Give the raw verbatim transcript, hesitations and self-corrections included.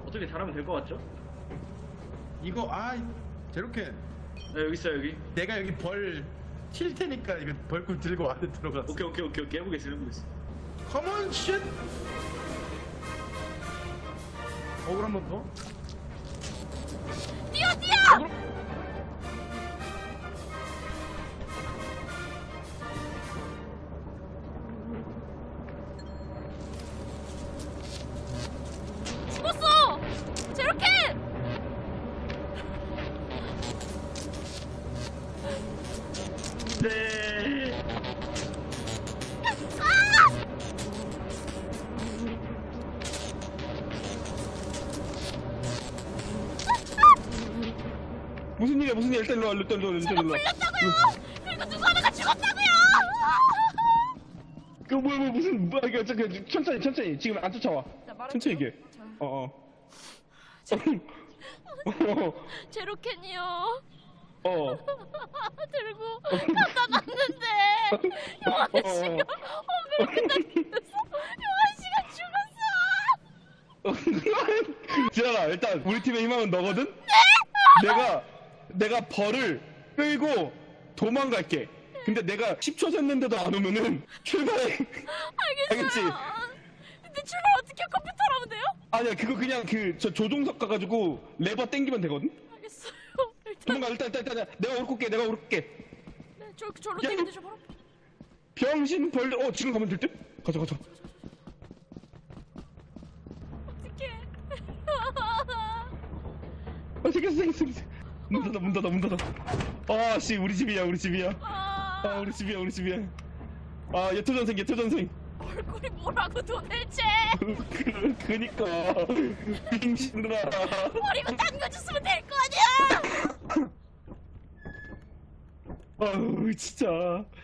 어떻게 잘하면 될 것 같죠? 이거 아 저렇게 네, 여기 있어요 여기. 내가 여기 벌 칠 테니까 이거 벌꿀 들고 안에 들어갔어. 오케이 오케이 오케이 오케이 해보겠어 해보겠어. 컴온 쉣. 어글 한번 더. 뛰어 뛰어! 어글. 죽었어! 제로켓! 네. 아! 무슨 일이야 무슨 일이야 일단 일로와 일단 일로와 일단 일로와. 풀렸다고요! 그리고 누구 하나가 죽었다고요! 그 뭐야 뭐 무슨 뭐야 이거 저기 천천히 천천히 지금 안 쫓아와. 자, 말해줘. 천천히 얘기해. 자, 어어. 제로캔이요. 어. 들고 갖다 놨는데 용환 씨가 어그렇게 당겨서 용환 씨가 죽었어. 지현아 일단 우리 팀의 희망은 너거든? 내가 내가 벌을 끌고 도망갈게. 근데 내가 십 초 샜는데도 안 오면은 출발해. 알겠지? 알겠어요. 근데 출발 어떻게 컴퓨터로 하면 돼요? 아니야 그거 그냥 그 저 조종석 가가지고 레버 땡기면 되거든? 알겠어요. 일단 도망가 일단 일단 일단 내가 오르게 내가 오르게. 네, 저 저로 야, 땡기죠 바로. 병신 벌레 어 지금 가면 될 듯? 가자 가자. 어떡해. 아 생겼어 생겼어 생겼어. 문 닫아 문 닫아 문 닫아. 아씨 우리 집이야 우리 집이야. 아, 아 우리 집이야 우리 집이야. 아 예토전생 예토전생. 얼굴이 뭐라고 도대체? 그, 그니까 빙신들아. 버리고 당겨줬으면 될 거 아니야. 아우 진짜